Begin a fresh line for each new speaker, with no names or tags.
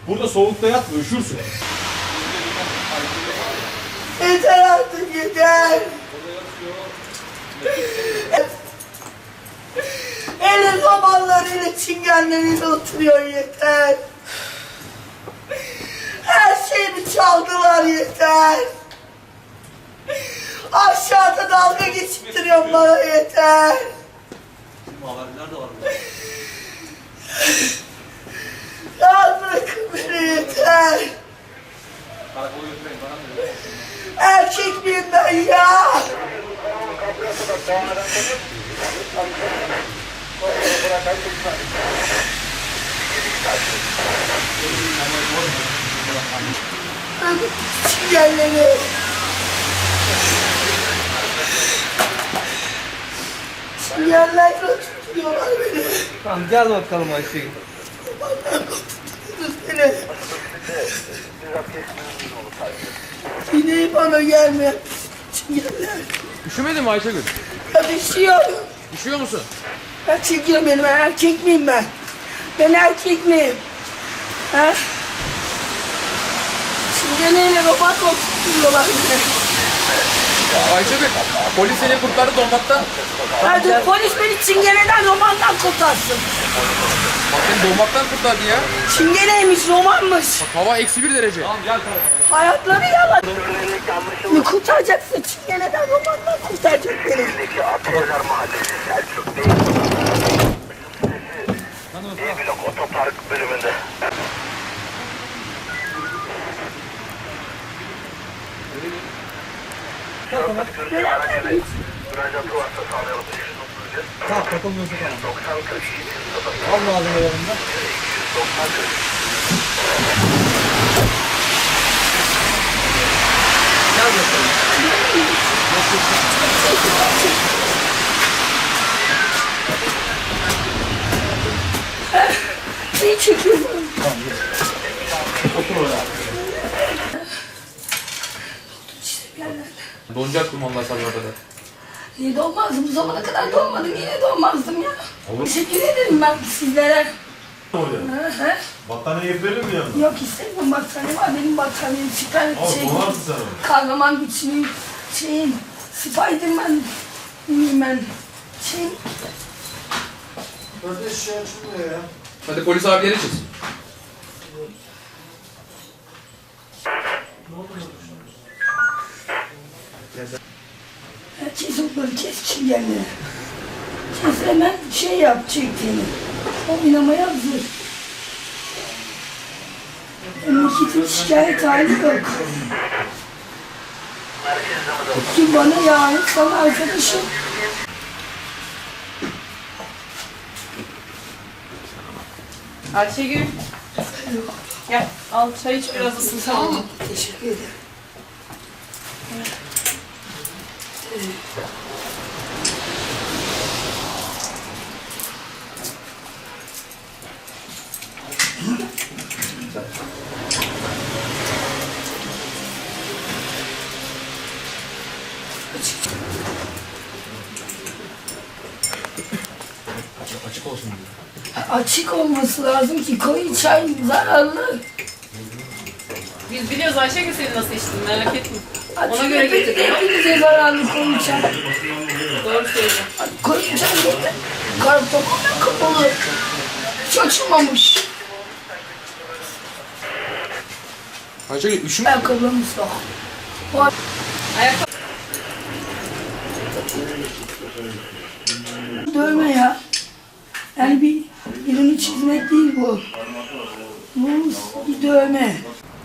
Burada soğukta yatma, üşürsün.
Yeter artık yeter. Eli zamanlarıyla çingenleriyle oturuyor yeter. Her şeyimi çaldılar yeter. Aşağıda dalga geçittiriyor bana yeter.
Nerede var bu?
Ya bırakın beni yeter.
Karakola götüreyim bana mı?
Erkek miyim ben ya? Çingenleri. Çingenlerle tutuyorlar beni.
Tamam gel bakalım Ayşegül.
Beni. Yine bana gelme. Çingenler.
Üşümedin mi Ayşegül?
Ya düşüyorum.
Üşüyor musun?
Ya çekiyor benim, erkek miyim ben? Ben erkek miyim? Ha? Çingeneyle robot tutuyorlar beni.
Ayşegül, polis seni kurtardı donmaktan.
Hadi polis beni çingeneden romandan kurtarsın.
Bak seni donmaktan kurtardı ya.
Çingeneymiş, romanmış.
Bak hava -1 derece.
Tamam gel karakola.
Hayatları yalan. Ne kurtaracaksın? Çingeneden romandan kurtaracak beni.
Blok otopark bölümünde. Müracaatı varsa sağlayalım.
Tamam, takılmıyorsa tamam.
90 42
Al malzeme yanında.
90
Gel bakalım.
Neyi çekiyorsun?
Otur oraya.
Donacak kumandan sabah kadar.
Niye doğmazdım? Bu zamana kadar doğmadım. Niye doğmazdım ya? Teşekkür ederim ben sizlere.
Oraya.
Hı hı.
Battaniye verelim mi yanına?
Yok istemiyorum, battaniye var. Benim battaniyem süper
Ama
şey.
donarsın sen onu.
Kahraman güçlüyüm. Şeyim. Spiderman miyim ben? Şeyim.
Kardeş şey açılmıyor ya.
Hadi polis abileri çiz.
Kes okları, kes çingenleri. Kes hemen şey yap, çektiğini. Oynamaya hazır. Memleketin şikayet hali yok. Ki bana yani sana arkadaşım.
Ayşegül. Gel al çay iç biraz ısın tamam mı?
Teşekkür ederim.
Açık olsun diyor.
Açık olması lazım ki koyu çay zararlı.
Biz biliyoruz Ayşegül seni nasıl içtin merak etme.
Açık
Ona göre
hepinize-
getirdim.
Hepinize zararlı koyu çay.
Doğru söylüyorsun.
Koyu çay getir. Karı tamamen kapalı. Hiç açılmamış.
Ayşegül üşüme.
Ayakkabılarımız da. Var.
Ayakkabı.
Dövme ya. Yani birini çizmek değil bu. Bu bir dövme.